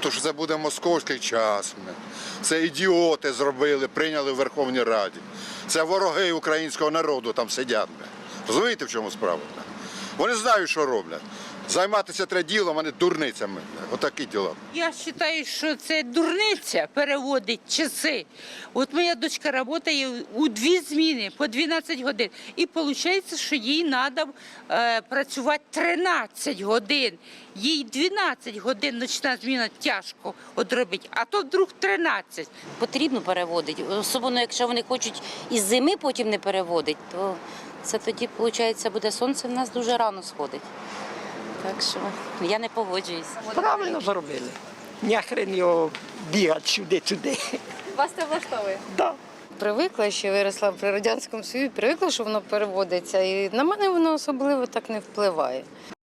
тому що це буде московський час. Це ідіоти зробили, прийняли в Верховній Раді. Це вороги українського народу там сидять. Розумієте, в чому справа? Вони знають, що роблять. Займатися треба ділом, а не дурницями. Отакі діла. Я вважаю, що це дурниця переводить часи. От моя дочка працює у 2 зміни по 12 годин. І виходить, що їй треба працювати 13 годин. Їй 12 годин ночна зміна тяжко одробити, а то вдруг 13. Потрібно переводити, особливо якщо вони хочуть із зими потім не переводити, то це тоді, виходить, буде сонце в нас дуже рано сходить. Так що я не погоджуюсь. Правильно зробили. Няхрен його бігати сюди-туди. Вас це влаштовує? Да. Привикла, що виросла при Радянському Союзі, привикла, що воно переводиться. І на мене воно особливо так не впливає.